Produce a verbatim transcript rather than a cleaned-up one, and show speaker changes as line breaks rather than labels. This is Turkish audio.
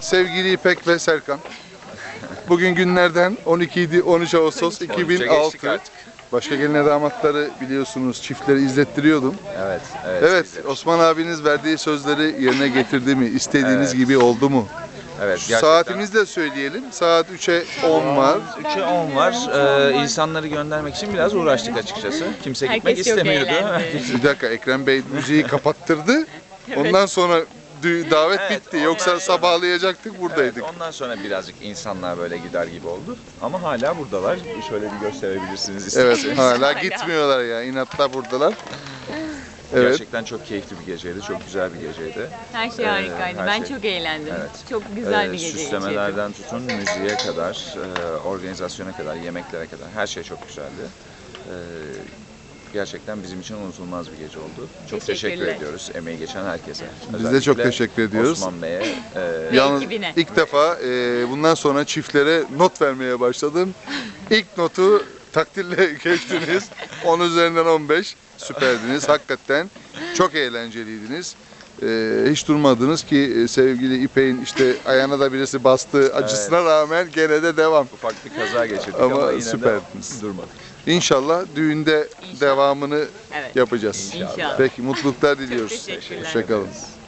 Sevgili İpek ve Serkan. Bugün günlerden on iki on üç Ağustos iki bin altı. Başka gelin damatları biliyorsunuz, çiftleri izlettiriyordum.
Evet, evet.
Evet, Osman abiniz verdiği sözleri yerine getirdi mi? İstediğiniz
Evet.
gibi oldu mu?
Evet, gerçekten.
Saatimizi de söyleyelim. Saat üçe on var.
üçe on var. Ee, insanları göndermek için biraz uğraştık açıkçası. Kimse
Herkes
gitmek
çok
istemiyordu.
eğlendi.
Bir dakika, Ekrem Bey müziği kapattırdı. Ondan sonra dü- davet
Evet,
bitti.
ondan
Yoksa
sonra-
sabahlayacaktık,
Evet,
buradaydık.
ondan sonra birazcık insanlar böyle gider gibi oldu. Ama hala buradalar. Şöyle bir gösterebilirsiniz
Evet,
isterseniz.
hala gitmiyorlar ya. İnatla buradalar. Evet.
Gerçekten çok keyifli bir geceydi. Çok güzel bir geceydi.
Her şey
Ee,
harikaydı.
her
ben
şey-
çok eğlendim.
Evet.
Çok güzel
Ee,
bir gece geçirdim.
Süslemelerden tutun müziğe kadar, e, organizasyona kadar, yemeklere kadar her şey çok güzeldi. Ee, gerçekten bizim için unutulmaz bir gece oldu. Çok teşekkür
Teşekkürler.
ediyoruz emeği geçen herkese.
Biz de çok
Özellikle
teşekkür ediyoruz.
Osman Bey'e. e,
Yalnız
ekibine.
ilk defa e, bundan sonra çiftlere not vermeye başladım. İlk notu takdirle geçtiniz. on üzerinden on beş. Süperdiniz. Hakikaten çok eğlenceliydiniz. E, hiç durmadınız ki e, sevgili İpek'in işte ayağına da birisi bastığı acısına rağmen gene de devam.
ufak bir kaza geçirdik
Ama
ama, yine
süperdiniz.
de durmadık.
İnşallah düğünde
İnşallah.
devamını
Evet.
yapacağız.
İnşallah.
Peki, mutluluklar diliyoruz.
teşekkürler.
Hoşçakalın.